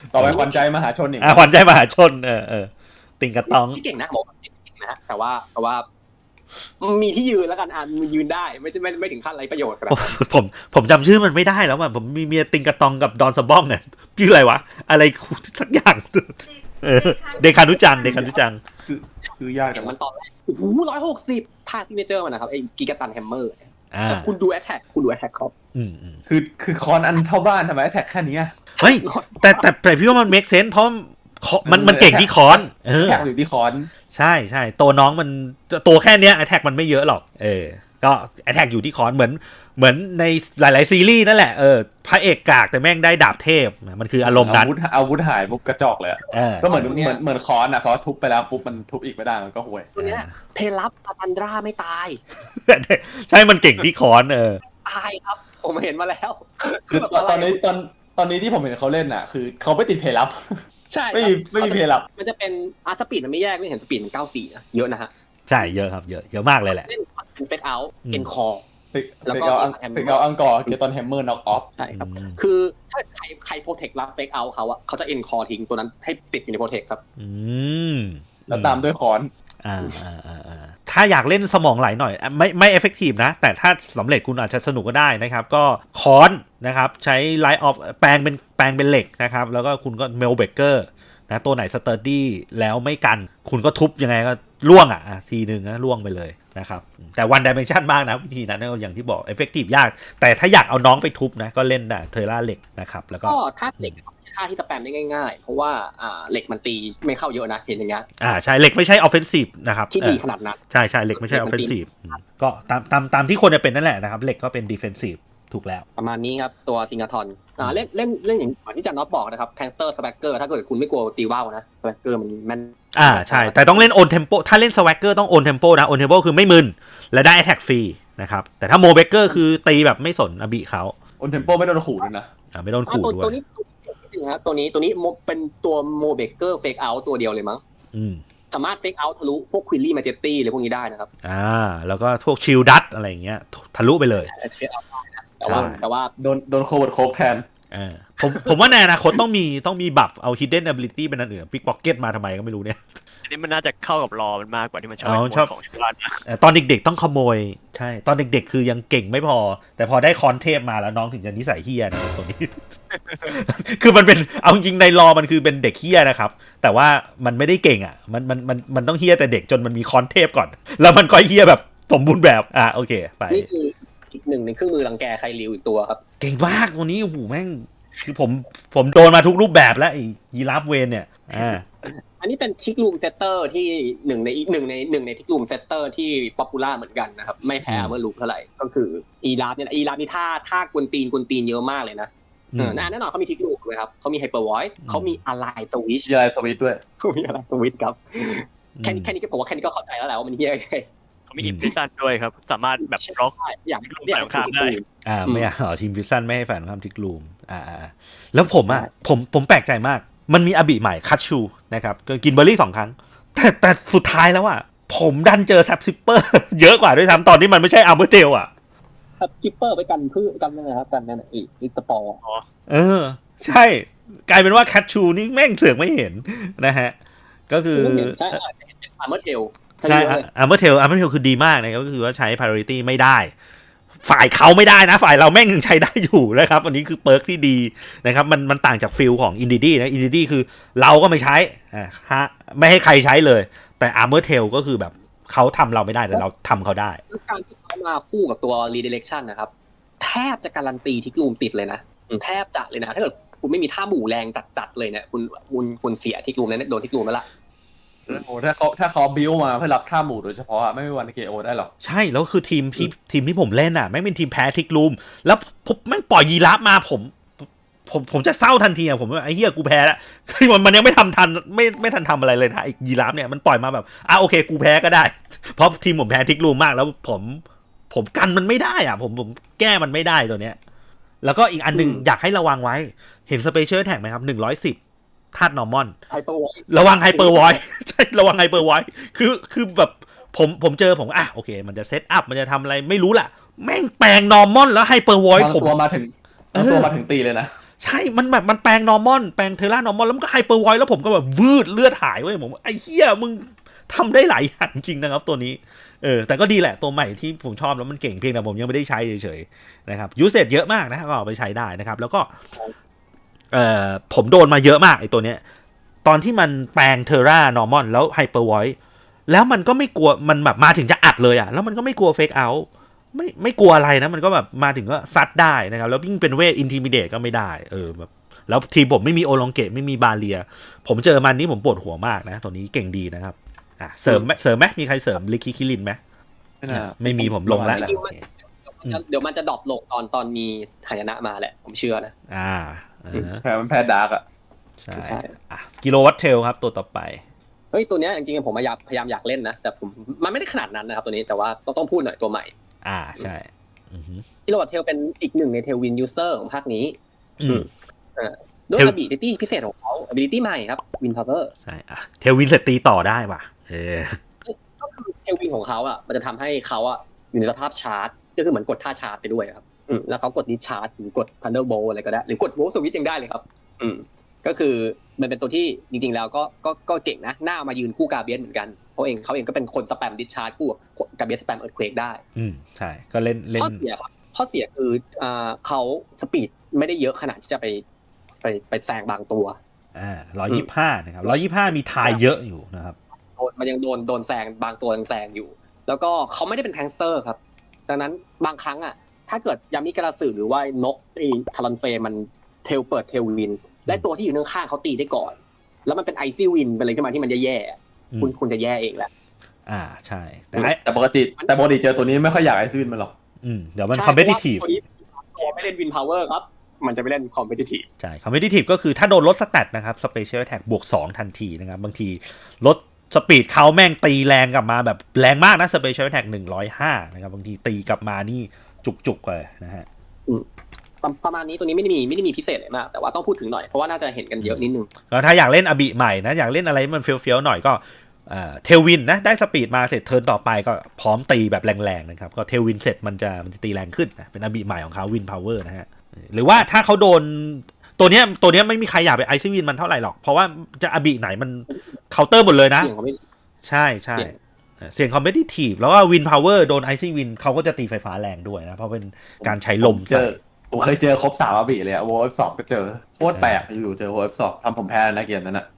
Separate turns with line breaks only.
ต่อไปขวัญใจมหาชนอีก
ขวัญใจมหาชนติงกระตอง
ที่เก่งนะบอกเก่งนะแต่ว่ามีที่ยืนแล้วกันมันยืนได้ไม่ถึงขั้นไรประโยชน์ครับ
ผมจำชื่อมันไม่ได้แล้วผมมีเมียติงกระตองกับดอนสะบ้องเนี่ยชื่ออะไรวะอะไรสักอย่างเดคานุจัง
คือยาก
แต่มันตอนแรกโอ้โห160ท่าซิกเนเจอร์มันนะครับไอ้กิกาตันแฮมเมอร์คุณดูแอทแทคครับ
คือคอนอันเท่าบ้านทำไมแอทแทคแค่นี้
เฮ้ยแต่พี่ว่ามันเมคเซนส์เพราะมันเก่งที่คอน
แทคอยู่ที่คอน
ใช่ตัวน้องมันตัวแค่เนี้ยแอทแทคมันไม่เยอะหรอกก็แอทแทกอยู่ที่คอนเหมือนในหลายๆซีรีส์นั่นแหละพระเอกกากแต่แม่งได้ดาบเทพมันคืออารมณ์นั้น
อาวุธหายปุ๊บกระจอกเลยก็เหมือนคอนนะเพราะทุบไปแล้วปุ๊บมันทุบอีกไม่ได้มันก็ห่วย
ตัวเนี้ยเพลับอาซันดราไม่ตาย
ใช่มันเก่งที่คอน
ตายครับผมเห็นมาแล้ว
คือตอนนี้ที่ผมเห็นเขาเล่นอ่ะคือเขาไม่ติดเพลับ
ใช่
ไม่มีเพลับ
มันจะเป็นสปีดมันไม่แยกไม่เห็นสปีดมัน94นะเยอะนะฮะ
ใช่เยอะครับเยอะมากเลยแหละ
เป็นเฟกเอาท์เป็นคอ
แล้วก็อังกอร์เกตอนแฮมเมอร์น็อกออฟ
ใช่ครับคือถ้าใครโปรเทครับเฟกเอาท์เขาจะเอ็นคอทิ้งตัวนั้นให้ติดอยู่ในโปรเทคครับ
แล้วตามด้วยคอน
ถ้าอยากเล่นสมองไหลหน่อยไม่เอฟเฟกตีฟนะแต่ถ้าสำเร็จคุณอาจจะสนุกก็ได้นะครับก็คอนนะครับใช้ไลท์ออฟแปลงเป็นเหล็กนะครับแล้วก็คุณก็เมลเบเกอร์นะตัวไหนสเตอร์ดี้แล้วไม่กันคุณก็ทุบยังไงก็ล่วงทีนึงนะล่วงไปเลยนะครับแต่วันดิเมนชันมากนะวิธีนั้นอย่างที่บอกเอฟเฟกตีฟยากแต่ถ้าอยากเอาน้องไปทุบนะก็เล่นเทอร่าเหล็กนะครับแล้วก็
ถ้าเหล็กค่าที่จะแปมได้ง่ายๆเพราะว่าเหล็กมันตีไม่เข้าเยอะนะเห็นอย่างเงี้ย
ใช่เหล็กไม่ใช่ออฟเฟนซีฟนะครับ
ที่ดีขนาดนั้น
ใช่เหล็กไม่ใช่ออฟเฟนซีฟก็ตามที่คนจะเป็นนั่นแหละนะครับเหล็กก็เป็นดีเฟนซีฟถูกแล้ว
ประมาณนี้ครับตัวซิงาทอนเล่นอย่างที่จันน็อตบอกนะครับแคนสเตอร์สแวกเกอร์ถ้าเกิดคุณไม่กลัวตีว่าวนะสแวกเกอร์มันแม่น
ใช่แต่ต้องเล่นโอนเทมโปถ้าเล่นสแวกเกอร์ต้องโอนเทมโปนะโอนเทมโปคือไม่มึนและได้แอทแทกฟรีนะครับแต่ถ้าโมเบเกอร์คือตีแบบไม่สนอบิเขา
โอนเทมโปไม่โดนขู่ด้วยนะ
ไม่โดนขู่ด้วย
ตัวนี้เป็นตัวโมเบเกอร์เฟกเอาท์ตัวเดียวเลยมั้งสามารถเฟกเอาท์ทะลุพวกควิลลี่มาเจตตี้อะไรพวกนี้ได้นะครับ
แล้วก็พวกชิลดัตอะไรอย่างเงี้ยทะลุไปเลย
แต่ว่า
โดนโคเวิร์ดโคบแทน
ผมว่าในอนาคตต้องมีบัฟเอา hidden ability เป็นอันอื่นปิกพ็อกเก็ตมาทำไมก็ไม่รู้เนี่ย
อันนี้มันน่าจะเข้ากับรอมันมากกว่าที่มันชอบของชาวบ้าน
ตอนเด็กๆต้องขโมยใช่ตอนเด็กๆคือยังเก่งไม่พอแต่พอได้คอนเทพมาแล้วน้องถึงจะนิสัยเฮี้ยนะตัวนี้ คือมันเป็นเอาจริงในรอมันคือเป็นเด็กเฮี้ยนะครับแต่ว่ามันไม่ได้เก่งมันต้องเฮี้ยแต่เด็กจนมันมีคอนเทพก่อนแล้วมันก็เฮี้ยแบบสมบูรณ์แบบโอเคไป
นี่คืออีกหนึ่งในเครื่องมือรังแกใครริวอีกตัวครับ
เก่งมากตัวนี้โอ้โหแม่งคือผมโดนมาทุกรูปแบบแล้วไอ้ยีราฟเวนเนี่ย
อันนี้เป็นทิกลูมเซตเตอร์ที่หนึ่งในทิกลูมเซตเตอร์ที่ป๊อปปูล่าเหมือนกันนะครับไม่แพ้เวอร์ลูปเท่าไหร่ก็คืออีราฟเนี่ยอีราฟนี่ท่ากวนตีนเยอะมากเลยนะแน่นอนเขามีทิกลูมเลยครับเขามีไฮเปอร์วอยซ์เขามีอะไลสวิช
ด้วย
เขามีอะไลสวิชครับแค่นี้ก็ผมว่าแค่นี้ก็เข้าใจแล้วแหละว่ามันเฮี้ย
เขามีอินฟิซันด้วยครับสามารถแบบล็อก
อย่าง
ฝ่ายข้ามได้
ไม่ทีมฟิซันไม่ให้ฝ่ายข้ามทิกลูมแล้วผมแปลกใจมากมันมีอบิใหม่คัตชูนะครับก็กินเบอร์รี่2ครั้งแต่สุดท้ายแล้วผมดันเจอแซปซิปเปอร์เยอะกว่าด้วยซ้ำตอนที่มันไม่ใช่อัลเบอร์เทล
แซปซิปเปอร์ไปกันนะครับกันนั่นอีกสปอร์
ใช่กลายเป็นว่าคัตชูนี่แม่งเสือกไม่เห็นนะฮะก็คือ
ใช่อัลเบอร์เทล
ใช่อัลเบอร์เทลคือดีมากนะครับก็คือว่าใช้ priority ไม่ได้ฝ่ายเขาไม่ได้นะฝ่ายเราแม่งยังใช้ได้อยู่นะครับอันนี้คือเปิร์กที่ดีนะครับมันต่างจากฟิลของอินดิดี้นะอินดิดี้คือเราก็ไม่ใช้ไม่ให้ใครใช้เลยแต่อาร์เมอร์เทลก็คือแบบเขาทำเราไม่ได้แต่เราทำเขาได้
การที่เขามาคู่กับตัว redirection นะครับแทบจะการันตีที่กลุ่มติดเลยนะแทบจะเลยนะถ้าเกิดคุณไม่มีท่าหมู่แรงจัดเลยเนี่ยคุณเสียที่กลุ่มนั้นโดนที่กลุ่มแล้วล่ะ
โอ้ถ้าเขาบิวมาเพื่อรับท่าหมู่โดยเฉพาะไม่มีวันเกโอได้หรอก
ใช่แล้วคือทีมที่ผมเล่นแม่งเป็นทีมแพ้ทิกลูมแล้วผมแม่งปล่อยยีราฟมาผมจะเศร้าทันทีผมว่าไอ้เหี้ยกูแพ้แล้วมันยังไม่ทันไม่ทันทำอะไรเลยนะไอ้ยีราฟเนี่ยมันปล่อยมาแบบโอเคกูแพ้ก็ได้เพราะทีมผมแพ้ทิกลูมมากแล้วผมกันมันไม่ได้ผมแก้มันไม่ได้ตัวเนี้ยแล้วก็อีกอันนึงอยากให้ระวังไว้เห็นสเปเชียลแท็กไหมครับ110ธาตุนอร์มอนระวังไฮเปอร์วอยใช่ระวังไฮเปอร์วอยคือแบบผมเจอผมโอเคมันจะเซตอัพมันจะทำอะไรไม่รู้ล่ะแม่งแปลงนอร์มอนแล้วไฮเปอร์วอย
ผมตัวมาถึงตีเลยนะ
ใช่มันแบบมันแปลงนอร์มอนแปลงเทล่านอร์มอนแล้วมันก็ไฮเปอร์ไวท์แล้วผมก็แบบวืดเลือดหายเว้ยผมไอ้เหี้ยมึงทำได้หลายอย่างจริงนะครับตัวนี้แต่ก็ดีแหละตัวใหม่ที่ผมชอบแล้วมันเก่งเพียงแต่ผมยังไม่ได้ใช้เฉยๆนะครับยูเซจเยอะมากนะก็เอาไปใช้ได้นะครับแล้วก็ผมโดนมาเยอะมากไอ้ตัวเนี้ยตอนที่มันแปลงเทอร่านอร์มอนแล้วไฮเปอร์ไวท์แล้วมันก็ไม่กลัวมันแบบมาถึงจะอัดเลยแล้วมันก็ไม่กลัวเฟกเอาท์ไม่กลัวอะไรนะมันก็แบบมาถึงก็ซัดได้นะครับแล้วยิ่งเป็นเวทอินทิมิเดตก็ไม่ได้แบบแล้วทีมผมไม่มีโอลองเกตไม่มีบาเลียผมเจอมันนี้ผมปวดหัวมากนะตัวนี้เก่งดีนะครับเสริมไหมมีใครเสริมลิคิคิลินไหมไม่มีผมลงแล้ว
เดี๋ยวมันจะดรอปลงตอนมีหายนะมาแหละผมเชื่อนะ
แพ้มันแพ้ดาร์ก
ใช่กิโลวัตเทลครับตัวต่อไป
เฮ้ยตัวเนี้ยจริงๆผมพยายามอยากเล่นนะแต่ผมมันไม่ได้ขนาดนั้นนะครับตัวนี้แต่ว่าต้องพูดหน่อยตัวใหม่
ใช่
กิโลวัตเทลเป็นอีกหนึ่งในเทลวินยูเซอร์ของภาคนี้ด้วย ability พิเศษของเขา ability ใหม่ครับวินพาวเวอร์
ใช่เทลวินเสร็จตีต่อได้ป่ะ
ก็คือเทลวินของเขามันจะทำให้เขาอยู่ในสภาพชาร์จก็คือเหมือนกดท่าชาร์จไปด้วยครับแล้วเขากดดิชาร์จหรือกด Thunderbolt อะไรก็ได้หรือกด Volt Switch ยังได้เลยครับก็คือมันเป็นตัวที่จริงๆแล้วก็เก่งนะหน้ามายืนคู่กาเบียนเหมือนกันเขาเองก็เป็นคนสแปมดิชาร์จคู่กาเบียนสแปมเอิร์ธเควกได้
ใช่ก็เล่น
ข้อเสียครับข้อเสียคือเขาสปีดไม่ได้เยอะขนาดที่จะไปแซงบางตัว
125นะครับ125มีทายเยอะอยู่นะครับ
มันยังโดนแซงบางตัวยังแซงอยู่แล้วก็เขาไม่ได้เป็นแทงสเตอร์ครับดังนั้นบางครั้งถ้าเกิดยามิกระสือหรือว่านกทารอนเฟมันเทลเปิดเทลวินและตัวที่อยู่ข้างๆเขาตีได้ก่อนแล้วมันเป็นไอซี่วินเป็นอะไรขึ้นมาที่มันแย่ๆคุณจะแย่เองแหละ
ใช่
แต่ปกติเจอตัวนี้ไม่ค่อยอยากไอซี่วินมันหรอก
เดี๋ยวมันคอมเพทิทีฟ
ไม่เล่นวินพาวเวอร์ครับมันจะไปเล่นคอมเพทิทีฟ
ใช่คอมเพทิทีฟก็คือถ้าโดนลดสแตทนะครับสเปเชียลแอทแทคบวก2ทันทีนะครับบางทีลดสปีดเขาแม่งตีแรงกลับมาแบบแรงมากนะสเปเชียลแอทแทค105นะครับบางทีตีกลับมานี่จุกๆเลยนะฮะ
ประมาณนี้ตัวนี้ไม่ได้มีพิเศษอะไรมากแต่ว่าต้องพูดถึงหน่อยเพราะว่าน่าจะเห็นกันเยอะนิดนึง
แล้วถ้าอยากเล่นอบิใหม่นะอยากเล่นอะไรมันเฟี้ยวๆหน่อยก็เทลวินนะได้สปีดมาเสร็จเทิร์นต่อไปก็พร้อมตีแบบแรงๆนะครับก็เทลวินเสร็จมันจะตีแรงขึ้นนะเป็นอบิใหม่ของเขาวินพาวเวอร์นะฮะหรือว่าถ้าเขาโดนตัวเนี้ยไม่มีใครอยากไปไอซี่วินมันเท่าไหร่หรอกเพราะว่าจะอบิไหนมันเคาน์เตอร์หมดเลยนะใช่เสียงคอมเพทิทีฟแล้วก็วินพาวเวอร์โดนไอซี่วินเขาก็จะตีไฟฟ้าแรงด้วยนะเพราะเป็นการใช้ลม
ผมเคยเจอครบ3อบิเลยโวฟ2ก็เจอโคตรแปลกอยู่เจอโวฟ2ทำผมแพ้นะเกมนั้น